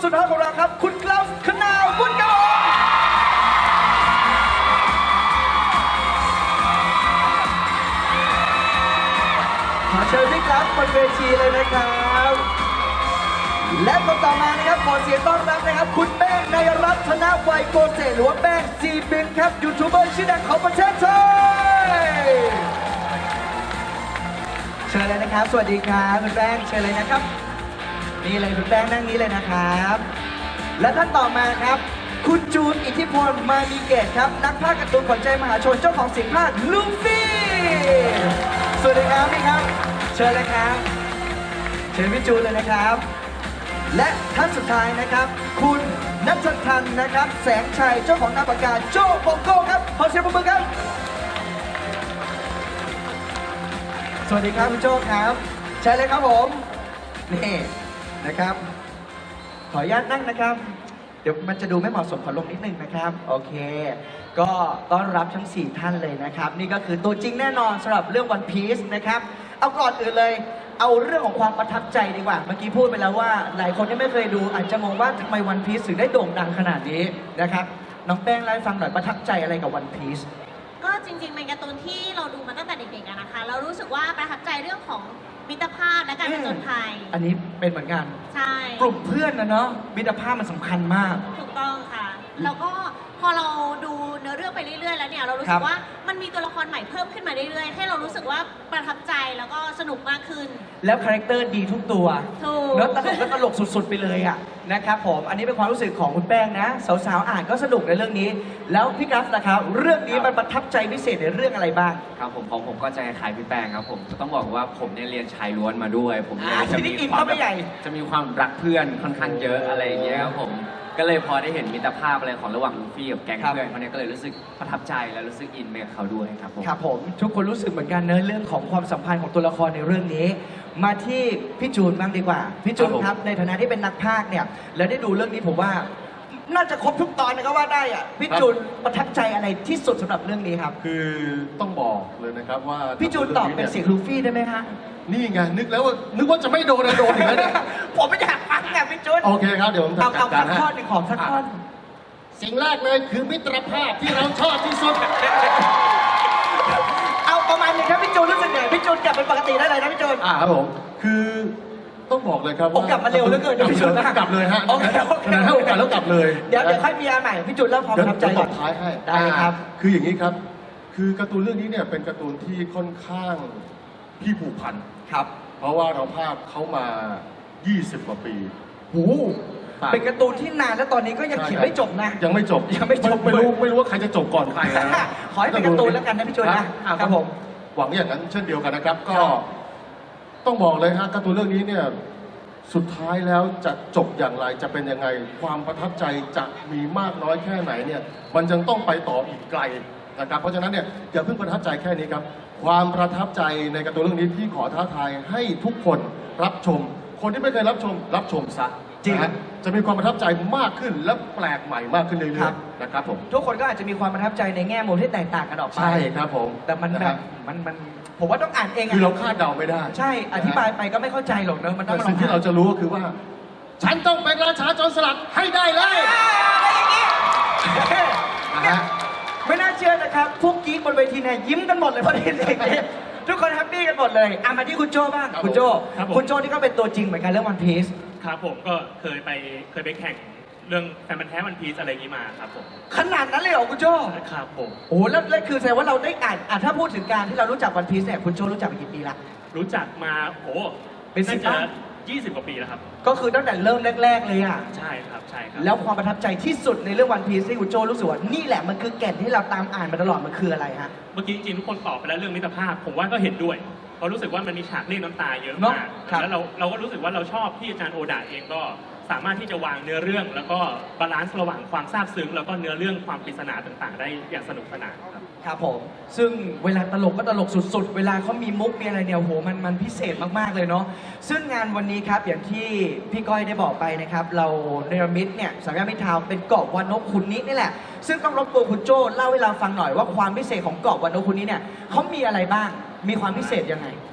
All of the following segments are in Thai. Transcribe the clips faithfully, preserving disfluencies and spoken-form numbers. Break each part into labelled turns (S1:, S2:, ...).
S1: สุดท้ายของเราครับคุณกลาฟคณาวบุญกองขอเชิญพี่กลาฟบนเวทีเลยนะครับและคนต่อมานะครับขอเสียงต้อนรับนะครับคุณแป้งนายรัตน์ธนวัยโกเศษหรือว่าแป้งจีบินครับยูทูบเบอร์ชื่อดังของประเทศไทยเชิญเลยนะครับสวัสดีครับคุณแป้งเชิญเลยนะครับนี่เลยคุณแป้งนั่งนี้เลยนะครับและท่านต่อมาครับคุณจูนอิทธิพลมามีเกตครับนักพากย์การ์ตูนขวัญใจมหาชนเจ้าของเสียงพากย์ลูฟี่สวัสดีครับพี่ครับเชิญเลยครับเชิญพี่จูนเลยนะครับและท่านสุดท้ายนะครับคุณนัททันนะครับแสงชัยเจ้าของนามปากกาโจ้โกโก้ครับขอเสียงปรบมือครับสวัสดีครับคุณโจ้ครับใช่เลยครับผมนี่นะครับขออนุญาตนั่งนะครับเดี๋ยวมันจะดูไม่เหมาะสมขอลงนิดนึงนะครับโอเคก็ต้อนรับทั้งสี่ท่านเลยนะครับนี่ก็คือตัวจริงแน่นอนสำหรับเรื่อง One Piece นะครับเอาก่อนอื่นเลยเอาเรื่องของความประทับใจดีกว่าเมื่อกี้พูดไปแล้วว่าหลายคนที่ไม่เคยดูอาจจะมองว่าทำไม One Piece ถึงได้โด่งดังขนาดนี้นะครับน้องแป้งเล่าให้ฟังหน่อยประทับใจอะไรกับ One Piece
S2: ก็จริงๆเป็นการ์ตูนที่เราดูมาตั้งแต่เด็กๆอะนะคะเรารู้สึกว่าประทับใจเรื่องของมิตรภาพและการผจญภัย
S1: อันนี้เป็นเหมือนกัน
S2: ใช่
S1: กลุ่มเพื่อนนะเนาะมิตรภาพมันสำคัญมาก
S2: ถูกต้องค่ะแล้วก็พอเราดูเนื้อเรื่องไปเรื่อยๆแล้วเนี่ยเรารู้สึกว่ามันมีตัวละครใหม่เพิ่มขึ้นมาเรื่อยๆให้เรารู้สึกว่าประทับใจแล้วก็สนุกมากขึ้น
S1: แล้วคาแรคเตอร์ดีทุกตัว
S2: ถูก
S1: แล้วตลกแล้วตลกสุดๆไปเลยอ่ะนะครับผมอันนี้เป็นความรู้สึกของคุณแป้งนะสาวๆอ่านก็สนุกในเรื่องนี้แล้วพี่กัฟนะครับเรื่องนี้มันประทับใจพิเศษในเรื่องอะไรบ้าง
S3: ครับผมของผมก็จะคล้ายพี่แป้งครับผมจะต้องบอกว่าผมเนี่ยเรียนชายล้วนมาด้วยผมเนี่ยจะมีความจะมีความรักเพื่อนค่อนข้างเยอะอะไรอย่างเงี้ยครับผมก็เลยพอได้เห็นมิตรภาพอะไรของระหว่างลูฟี่กับแก๊งเพื่อนเขาเนี่ยก็เลยรู้สึกประทับใจและรู้สึกอินไปกับเขาด้วยครับผม
S1: ครับผมทุกคนรู้สึกเหมือนกันเนอะเรื่องของความสัมพันธ์ของตัวละครในเรื่องนี้มาที่พี่จูนบ้างดีกว่าพี่จูนครับในฐานะที่เป็นนักพากย์เนี่ยแล้วได้ดูเรื่องนี้ผมว่าน่าจะครบทุกตอนนะก็ว่าได้อ่ะพี่จูนประทับใจอะไรที่สุดสำหรับเรื่องนี้ครับ
S4: คือต้องบอกเลยนะครับว่า
S1: พี่จูนตอบเป็นเสียงลูฟี่ได้ไหมฮะ
S4: นี่ไงนึกแล้วว่านึกว่าจะไม่โดนโดนอย่างนั้นเนี่ย
S1: ผมไม่อยากฟังไงพี่จูน
S4: โอเคครับเดี๋ยวผม
S1: จัดการให้เอาสักข้อหนึ่งของสักข้อ
S4: สิ่งแรกเลยคือมิตรภาพที่เราชอบที่สุด
S1: เอาประมาณนี้ครับพี่จูนรู้สึกไงพี่จูนกลับเป็นปกติได้เลยนะพี่จูน
S4: อ่าครับผมคือต้องบอกเลยครับ
S1: ว่ากลับมาเร็วเหลือเกินพี่จูน
S4: กลับเลยฮะ
S1: โอเคโอเค
S4: ให้โอกาสแล้วกลับเลย
S1: เดี๋ยวเดี๋ยวค่อยมีอันใหม่พี่จูนเล่าความประทับใจก่อน
S4: ท้ายให้
S1: ได้ครับ
S4: คืออย่างนี้ครับคือการ์ตูนเรื่องนี้เนี่ยเป็นการ์ตูนที่ค่อนข้างพี่ผูกพัน
S1: ครับ
S4: เพราะว่าเราภาพเขามายี่สิบกว่าปี
S1: โอ้เป็นการ์ตูนที่นานแล้วตอนนี้ก็ยังเขียนไม่จบนะ
S4: ยังไม่จบ
S1: ยังไม่จบ
S4: ไม่รู้ไม่รู้ว่าใครจะจบก่อนใครนะ
S1: ขอให้เป็นการ์ตูนแล้วกันนะพี่จูนนะครับผม
S4: หวังอย่างนั้นเช่นเดียวกันนะครับก็ต้องบอกเลยฮะการ์ตูนเรื่องนี้เนี่ยสุดท้ายแล้วจะจบอย่างไรจะเป็นยังไงความประทับใจจะมีมากน้อยแค่ไหนเนี่ยมันยังต้องไปต่ออีกไกลนะครับเพราะฉะนั้นเนี่ยอย่าเพิ่งประทับใจแค่นี้ครับความประทับใจในการ์ตูนเรื่องนี้ที่ขอท้าทายให้ทุกคนรับชมคนที่ไม่เคยรับชมรับชมซะ
S1: จริง
S4: จะมีความประทับใจมากขึ้นและแปลกใหม่มากขึ้นเรื่อยๆนะครับผม
S1: ทุกคนก็อาจจะมีความประทับใจในแง่มุมที่แตกต่างกันออกไป
S4: ใช่ครับผม
S1: แต่มันแบบมันมันผมว่าต้องอ่านเอง
S4: คือเราคาดเดาไม่ได้
S1: ใช่อธิบายไปก็ไม่เข้าใจหรอกเนอะมันต้อง
S4: สิ่งที่เราจะรู้ก็คือว่าฉันต้องเป็นราชาโจรสลัดให้ได้เลย
S1: อะไรอย่างนี้ไม่น่าเชื่อนะครับพวกกิ๊กบนเวทีเนี่ยยิ้มกันหมดเลยพอดีเด็กทุกคนแฮปปี้กันหมดเลยอ่ะมาที่คุณโจ้บ้างคุณโจ้คุณโจ้ที่ก็เป็นตัวจริงเหมือนกันเรื่องวันพีซ
S5: ครับผมก็เคยไปเคยไปแข่งเรื่องแฟนมันแท้วันพีซอะไรอย่างนี้มาครับผม
S1: ขนาดนั้นเลยเหรอคุณโจ้
S5: ครับผม
S1: โอ้แล้วแล้วคือแสดงว่าเราได้อ่านอ่ะถ้าพูดถึงการที่เรารู้จักวันพีซเนี่ยคุณโจ้รู้จักมากี่ปีละ
S5: รู้จักมาโอ้
S1: เป็นสิบปี
S5: ยี่สิบกว่าปีแล้วครับ
S1: ก็คือตั้งแต่เริ่มแรกๆเลยอ่ะ
S5: ใช่ครับใช่ครับ
S1: แล้วความประทับใจที่สุดในเรื่องวันพีซที่คุณโจ้รู้สึกว่านี่แหละมันคือแก่นที่เราตามอ่านมาตลอดมันคืออะไรฮะ
S5: เมื่อกี้จริงๆทุกคนตอบไปแล้วเรื่องมิตรภาพผมว่าก็เห็นด้วยเพราะรู้สึกว่ามันมีฉากเรียกน้ำตาเยอะมากแล้วเราเราก็รู้สึกว่าเราชอบที่อาจารย์โอดาเองก็สามารถที่จะวางเนื้อเรื่องแล้วก็บาลานซ์ระหว่างความซาบซึ้งแล้วก็เนื้อเรื่องความปริศนาต่างๆได้อย่างสนุกสนานครับ
S1: ครับผมซึ่งเวลาตลกก็ตลกสุดๆเวลาเขามีมุกมีอะไรเนี่ยโหมันมันพิเศษมากๆเลยเนาะซึ่งงานวันนี้ครับอย่างที่พี่ก้อยได้บอกไปนะครับเราเนรมิตเนี่ยสามย่านมิตรทาวน์เป็นเกาะวานกขุนนี้นี่แหละซึ่งต้องรบกวนคุณโจ้เล่าให้เราฟังหน่อยว่าความพิเศษของเกาะวานกขุนนี้เนี่ยเขามีอะไรบ้างมีความพิเศษยังไง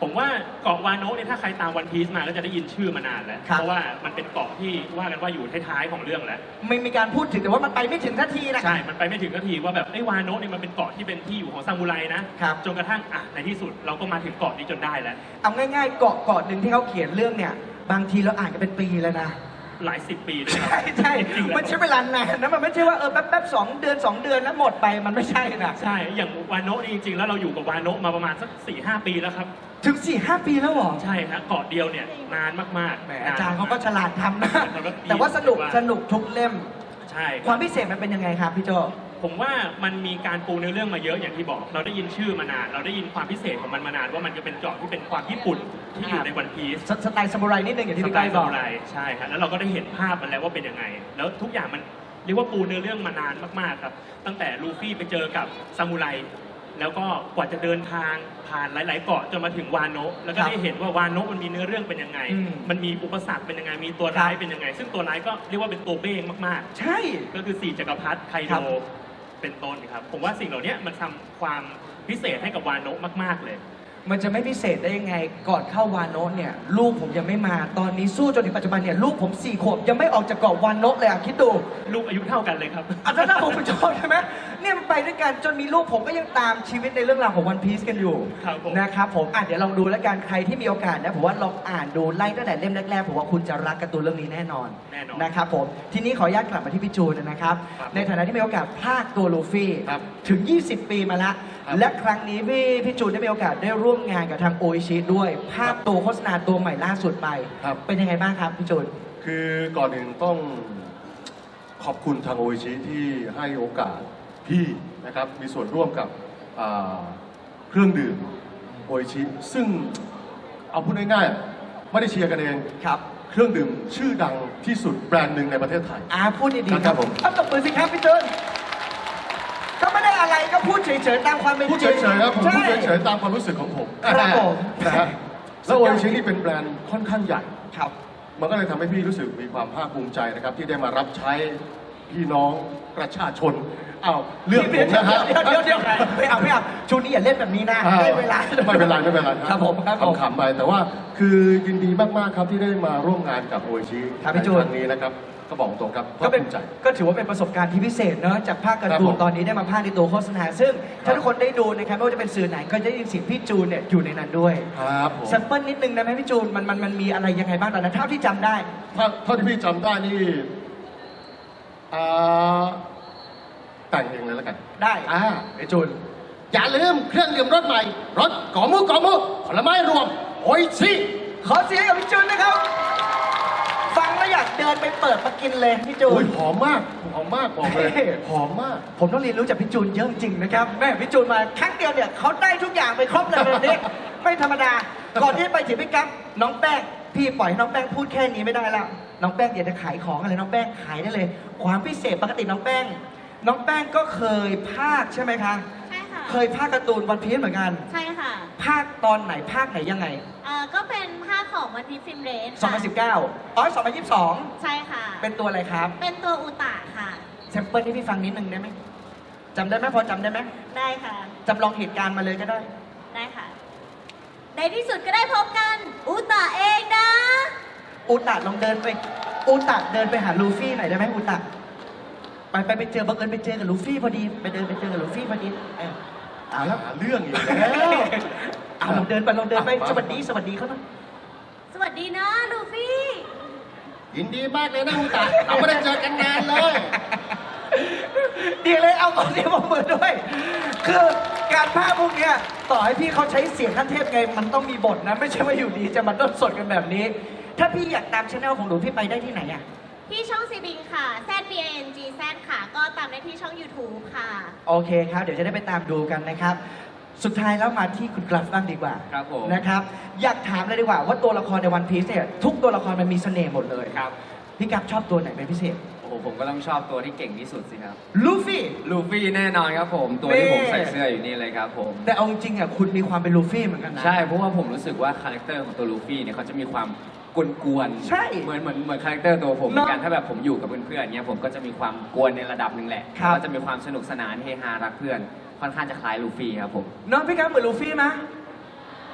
S5: ผมว่าเกาะวาโนะเนี่ยถ้าใครตามวันพีซมาก็จะได้ยินชื่อมานานแล้ว
S1: ครับ
S5: เพราะว่ามันเป็นเกาะที่ว่ากันว่าอยู่ท้ายๆของเรื่องแล้ว
S1: ไม่มีการพูดถึงแต่ว่ามันไปไม่ถึงทันทีนะ
S5: ใช่ มันไปไม่ถึงนาทีว่าแบบไอ้ยวาโนะเนี่ยมันเป็นเกาะที่เป็นที่อยู่ของซามูไรนะครับ จนกระทั่งอ่ะในที่สุดเราก็มาถึงเกาะนี้จนได้แล้ว
S1: เอาง่ายๆเกาะเกาะหนึ่งที่เขาเขียนเรื่องเนี่ย บางทีเราอ่านกันเป็นปีแล้วนะ
S5: หลายสิบปีด้วยครับ
S1: ใช่ใช่
S5: จริงๆแล้ว
S1: มันใช้เวลานานนะมันไม่ใช่ว่าเออแป๊บแป๊บสองเดือนสองเดือนแล้วหมดไปมันไม่ใช่นะ
S5: ใช่ อย่างวาโนะนี่จริงๆ แล้วเราอยู่กับวาโนะมาประมาณสักสี่ห้าปีแล้วครับ
S1: ถึงสี่ห้าปีแล้วเหรอ
S5: ใช่ฮะเกาะเดียวเนี่ยนานมากๆ
S1: แหม
S5: นน
S1: อาจารย์เขาก็ฉลาดทำนะ
S5: แล้วก็ดี
S1: แต่ว่าสนุก
S5: ว่า
S1: สนุกทุกเล่ม
S5: ใช่
S1: ความพิเศษมันเป็นยังไงครับพี่โจ
S5: ผมว่ามันมีการปูเนื้อเรื่องมาเยอะอย่างที่บอก เราได้ยินชื่อมานาน เราได้ยินความพิเศษของมันมานานว่ามันจะเป็นเกาะที่เป็นความญี่ปุ่นที่อยู่ในวันพีซ
S1: สสไตล์ซามูไรนิดนึงอย่างที่พี่
S5: สไต
S1: ก้อย
S5: ล์
S1: บ
S5: ซา
S1: อก
S5: มูไรใช่ครับแล้วเราก็ได้เห็นภาพมันแล้วว่าเป็นยังไง แล้วทุกอย่างมันเรียกว่าปูเนื้อเรื่องมานานมากๆครับตั้งแต่ลูฟี่ไปเจอกับซามูไรแล้วก็กว่าจะเดินทางผ่านหลาย ๆ เกาะจนมาถึงวาโนะแล้วก็
S1: ครับ
S5: ได้เห็นว่าวาโนะมันมีเนื้อเรื่องเป็นยังไง
S1: อืม
S5: มันมีอุปสรรคเป็นยังไงมีตัวร้าย
S1: ครับ
S5: เป็นยังไง ซึ่งตัวร้ายก็เรียกว่าเป็นตัวเบ้งมาก
S1: ใช่
S5: ๆ ก็คือสี่จักรพรรดิไค
S1: ครั
S5: โด
S1: บ
S5: เป็นต้นครับผมว่าสิ่งเหล่านี้มันทำความพิเศษให้กับวาโนะมาก ๆ เลย
S1: มันจะไม่พิเศษได้ยังไงก่อนเข้าวานโนะเนี่ยลูกผมยังไม่มาตอนนี้สู้จนถึงปัจจุบันเนี่ยลูกผมสี่ขวบยังไม่ออกจากเกาะวานโนะเลยอ่ะคิดดู
S5: ลูกอายุเท่ากันเลยครับ
S1: อาจารย์ผมเป็นโจทย์ใช่ไหมเนี่ยมันไปด้วยกันจนมีลูกผมก็ยังตามชีวิตในเรื่องราวของวันพีซกันอยู่
S5: ครับผม
S1: นะครับผมอ่ะเดี๋ยวลองดูแล้วกันใครที่มีโอกาสนะผมว่าลองอ่านดูไล่ตั้งแต่เล่มแรกๆผมว่าคุณจะรักการ์ตูนเรื่องนี้แน่นอน
S5: แน่นอน
S1: นะครับผมทีนี้ขออนุญาตกลับมาที่พี่จูนนะครับ
S5: ครับ
S1: ในฐานะที่มีโอกาสพากย์ตัวลูฟี่
S4: ครับ
S1: ถึง ยี่สิบ ปีมาละ
S4: ครับ
S1: และครั้งนี้พี่พี่จูนได้มีโอกาสได้ร่วมงานกับทางโออิชิด้วย ภาพตัวโฆษณาตัวใหม่ล่าสุดไป
S4: ครับ
S1: เป็นยังไงบ้างครับพี่จูน
S4: คือก่อนอื่นต้องขอบคุณทางโออิชิที่ให้โอกาสพี่นะครับมีส่วนร่วมกับอ่าเครื่องดื่มโออิชิซึ่งเอาพูดง่ายๆไม่ได้เชียร์กันเอง
S1: ครับ
S4: เครื่องดื่มชื่อดังที่สุดแบรนด์หนึ่งในประเทศไทย
S1: อาพูดดีๆ
S4: ครับผม
S1: เอาตบมือสิครับพี่จูนก็ไม่ได้อะไรก็พูดเฉยๆตามความเป็นจริง
S4: พูดเฉยๆครับผมพูด
S1: ใช่
S4: เฉยๆตามความรู้สึกของผม
S1: ครับผม
S4: นะฮะแล้วโออิชินี่เป็นแบรนด์ค่อนข้างใหญ่
S1: ครับ
S4: มันก็เลยทำให้พี่รู้สึกมีความภาคภูมิใจนะครับ ที่ได้มารับใช้พี่น้องประชาชนอ้าวเรื่องผมนะฮะ
S1: เดี๋ยวเดี๋ยวเดี๋ยวไม่เอาไม่เอาช่วงนี้อย่าเล่นแบบนี้นะ
S4: อ่า
S1: ได้เวลา
S4: ไม่เป็นไรไม่เป็นไร
S1: ครับผมครับผม
S4: ขำๆไปแต่ว่าคือยินดีมากๆครับที่ได้มาร่วมงานกับโออิชิ
S1: ครับพี่จูน
S4: ในครั้งนี้นะครับก็บอกตรงครับ
S1: ก็
S4: ภาค
S1: เป็น
S4: ภูมิใจ
S1: ก็ถือว่าเป็นประสบการณ์ที่พิเศษเนอะจากภาคการ์ตู
S4: ครับ
S1: น
S4: ผม
S1: ตอนนี้ได้มาภาคในตัวโฆษณา ซึ่งถ้าทุกคนได้ดูนะครับไม่ว่าจะเป็นสื่อไหนก็จะได้ยินเสียงพี่จูนเนี่ยอยู่ในนั้นด้วย
S4: ครับผม
S1: แซมเปิลนิดนึงนะไหมพี่จูนมันมันมันมีอะไรยังไงบ้างตอนนั้นเท่าที่จำได้
S4: ถ้าเท่าที่พี่จำได้นี่อ่าแต่งเองเลยแล้วกัน
S1: ได้
S4: อ่า
S1: พี่จูน
S4: อย่าลืมเครื่องดื่มรสใหม่รสกอมุกอมุผลไม้รวมโออิชิ
S1: ขอเสียงกับพี่จูนนะครับ ฟังแล้วอยากเดินไปเปิดมากินเลยพี่จู
S4: โอ้
S1: น
S4: ยหอมมากหอมมากบอกเลย
S1: เฮ้
S4: หอมมาก
S1: ผมต้องเรียนรู้จากพี่จูนเยอะจริงนะครับแม่พี่จูนมาครั้งเดียวเนี่ยเขาได้ทุกอย่างไปครบเลยแบบนี้ ไม่ธรรมดา ก่อนที่ไปถึงพี่กั๊บน้องแป้งพี่ปล่อยให้น้องแป้งพูดแค่นี้ไม่ได้แล้วน้องแป้งอยากจะขายของอะไรน้องแป้งขายได้เลย ความพิเศษปกติน้องแป้ง น้องแป้งก็เคยภาคใช่ไหมคะ
S2: ใช่ค่ะ
S1: เคยภาคการ์ตูนวันพีซเหมือนกัน
S2: ใช่ค่ะ
S1: ภาคตอนไหนภาคไหนยังไง
S2: เอ่อก็เป็นภาคของวันพีฟิล์มเรส
S1: สองพันสิบเก้าอ๋อสองพันยี่สิบสอง
S2: ใช่ค่ะ
S1: เป็นตัวอะไรครับ
S2: เป็นตัวอุตะค่ะ
S1: แซมเปิลให้พี่ฟังนิดนึงได้ไหมจำได้ไหมพอจำได้ไหม
S2: ได้ค่ะ
S1: จำลองเหตุการณ์มาเลยก็ได้
S2: ได้ค่ะ ในที่สุดก็ได้พบกัน อุตะเองนะ
S1: อุตะลองเดินไป อุตะเดินไปหาลูฟี่หน่อยได้ไหมอุตะไปไปไปเจอบังเอิญไปเจอกับลูฟี่พอดีไปเดินไปเจอกับลูฟี่พอดีเออเอาแล้ว
S4: หาเรื่องอีกแล้ว
S1: เอาลองเดินไปลองเดินไป
S4: อ่ะมา
S1: สวัสดีสวัสดีเขาหน่อย
S2: สวัสดีนะลูฟี่
S4: ยินดีมากเลยนะอุตะเราไม่ได้เจอกันนานเลย
S1: ดีเลยเอาก่อนเสียงปรบมือด้วย คือการภาคพวกเนี้ยต่อให้พี่เขาใช้เสียงขั้นเทพไงมันต้องมีบทนะไม่ใช่ว่าอยู่ดีจะมาต้นสดกันแบบนี้ ถ้าพี่อยากตามช anel ของหนูพี่ไปได้ที่ไหนอ่ะ
S2: ที่ช่องซีบิงค่ะ Z B I N G Z ค่ะ ก็ตามได้ที่ช่อง YouTube ค่ะ
S1: โอเคครับ เดี๋ยวจะได้ไปตามดูกันนะครับ สุดท้ายแล้วมาที่คุณกราฟบ้างดีกว่า
S3: ครับผม
S1: นะครับ อยากถามเลยดีกว่าว่าตัวละครในวันพีซเนี่ยทุกตัวละครมันมีเสน่ห์หมดเลย
S3: ครับ
S1: พี่กราฟชอบตัวไหนเป็นพิเศษ
S3: โอ้โหผมก็ต้องชอบตัวที่เก่งที่สุดสิครับ
S1: ลูฟี่
S3: ลูฟี่แน่นอนครับผม ตัวที่ผม
S1: นี่
S3: ใส่เสื้ออยู่นี่เลยครับผม
S1: แต่เอาจริงๆอ่ะคุณมีความเป็นลูฟี่เหมือนกันนะ
S3: ใช่ เพราะว่าผมรู้สึกว่าคาแรคเตอร์ของตัวลูฟี่เนี่ยเขาจะมีความกวนๆ
S1: ใช่
S3: เหมือนเหมือนเหมือนคาแรคเตอร์ตัวผมเหมือนกัน
S1: เนอะ
S3: ถ้าแบบผมอยู่กับเพื่อนๆเนี่ยผมก็จะมีความกวนในระดับหนึ่งแหละ
S1: ครับ
S3: ก็จะมีความสนุกสนานเฮฮารักเพื่อน ค่อนข้างจะคล้ายลูฟี่ครับผม
S1: น้องพี่กราฟเหมือนลูฟี่ไหม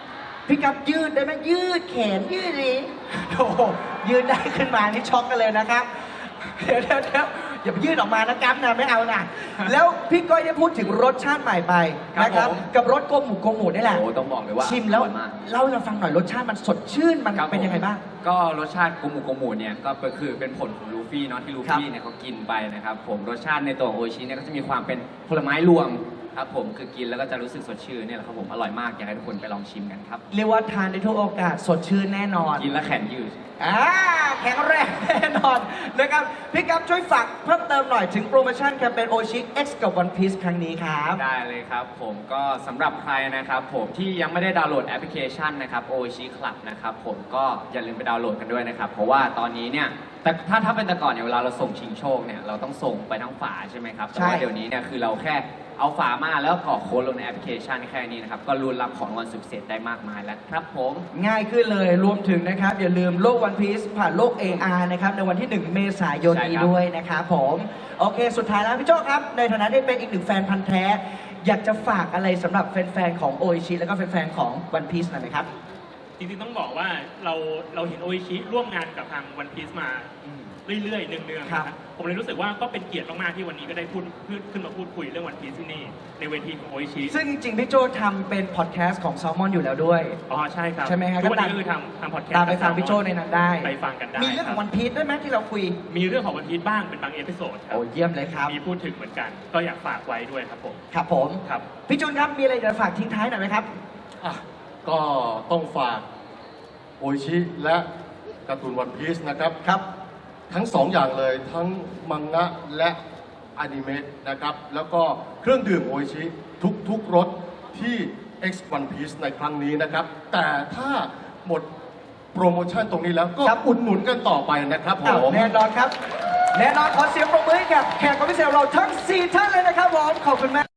S1: พี่กับยืดได้ไหมยืดแขนยืดดิโอ้โหยืดได้ขึ้นมานี่ช็อกกันเลยนะครับ เดี๋ยวเดี๋ยวเดี๋ยวอย่าไปยืดออกมานะกั๊บนะไม่เอานะแล้วพี่ก้อยได้พูดถึงรสชาติใหม่ไปนะครับ
S3: ผม
S1: กับรสโกหมูโกหมูนี่แหละ
S3: โอ้ต้องบอกเลยว่า
S1: ชิมแล้ว
S3: อร่อยมาก
S1: เล่าให้เราฟังหน่อยรสชาติมันสดชื่นมัน
S3: ครับ
S1: เป็นยังไงบ้าง
S3: ก็รสชาติโกมูโกมูเนี่ยก็คือเป็นผลของลูฟี่เนาะที่ลูฟี่เนี่ยเขากินไปนะครับผมรสชาติในตัวโออิชิเนี่ยก็จะมีความเป็นผลไม้รวมครับผมคือกินแล้วก็จะรู้สึกสดชื่นเนี่ยแหละครับผมอร่อยมากอยากให้ทุกคนไปลองชิมกันครับ
S1: เรียกว่าทานได้ทุกโอกาสสดชื่นแน่นอน
S3: กินแล้วแขนยืด
S1: อ่าแข็งแรงแน่นอนนะครับพี่กั๊บช่วยฝากเพิ่มเติมหน่อยถึงโปรโมชั่นแคมเปญโอชิ X กับ One Piece ครั้งนี้ครับ
S3: ได้เลยครับผมก็สำหรับใครนะครับผมที่ยังไม่ได้ดาวน์โหลดแอปพลิเคชันนะครับ โออิชิ Club นะครับผมก็อย่าลืมไปดาวน์โหลดกันด้วยนะครับเพราะว่าตอนนี้เนี่ยแต่ถ้าถ้าเป็นแต่ก่อนเนี่ยเวลาเราส่งชิงโชคเนี่ยเราต้องส่งไปทั้งฝาใช่ไหมครับแต่ว่า
S1: ใช่
S3: เดี๋ยวนี้เนี่ยคือเราแค่เอาฝามาแล้วก็กรอกโค้ดลงในแอปพลิเคชันแค่นี้นะครับก็รุนรับของรางวัลสุดพิเศษได้มากมายแล้วครับผม
S1: ง่ายขึ้นเลยรวมถึงนะครับ อย่าลืมโลก One Piece ผ่านโลก เอ อาร์ นะครับ ในวันที่ หนึ่ง เมษายน
S3: ใช่
S1: นี้
S3: ครับ
S1: ด้วยนะครับผม โอเค สุดท้ายแล้วพี่โจ้ครับ ในฐานะที่เป็นอีกหนึ่งแฟนพันธ์แท้ อยากจะฝากอะไรสำหรับแฟนๆ ของโออิชิแล้วก็แฟนๆ ของ One Piece หน่อยไหมครับ
S5: จริงๆต้องบอกว่าเราเราเห็นโออิชิร่วมงานกับทางวันพีซมาเรื่อยๆเนืองๆ
S1: ครับ
S5: นะครับผมเลยรู้สึกว่าก็เป็นเกียรติมากๆที่วันนี้ก็ได้พูดพูดขึ้นมาพูดคุยเรื่องวันพีซที่นี่ในเวทีของโออิชิ
S1: ซึ่งจริงๆ พี่โจ้ทำเป็นพอดแคสต์ของ Salmon อยู่แล้วด้วย
S5: อ๋อใช่ครับ
S1: ใช่ไหมครับ
S5: ทุกวัน
S1: ก็ตาม
S5: นี้ก็คือทำทำพอดแคสต์
S1: ตามไปฟังพี่โจ้ในนั้นได้
S5: ไปฟังกันได้
S1: มีเรื่องของ
S5: คบ
S1: One Piece ด้วยไหมที่เราคุย
S5: มีเรื่องของวันพีซบ้างเป็นบางเอพิโซดครับ
S1: โอ้เยี่ยมเลยครับ
S5: มีพูดถึงเหมือนกัน ก็อยากฝากไว้ด้วยครับผม
S1: ครับผม
S5: ครับ
S1: พี่จูนครับ มีอะไรจะฝากทิ้งท้ายหน่อยไหมครับ
S4: อ่ะก็ต้องฝากโออิชิและการ์ตูนวันพีซนะครับ
S1: ครับ
S4: ทั้งสองอย่างเลยทั้งมังงะและอนิเมะนะครับ แล้วก็เครื่องดื่มโออิชิทุกทุกรสที่ X One Piece ในครั้งนี้นะครับ แต่ถ้าหมดโปรโมชั่นตรงนี้แล้วก็
S1: ครับ
S4: อุดหนุนกันต่อไปนะครับผ
S1: อ้าว
S4: ม
S1: แน่นอนครับ แน่นอนขอเสียงปรบมือให้กับแขกรับเชิญเราทั้ง สี่ ท่านเลยนะครับผม ขอบคุณมาก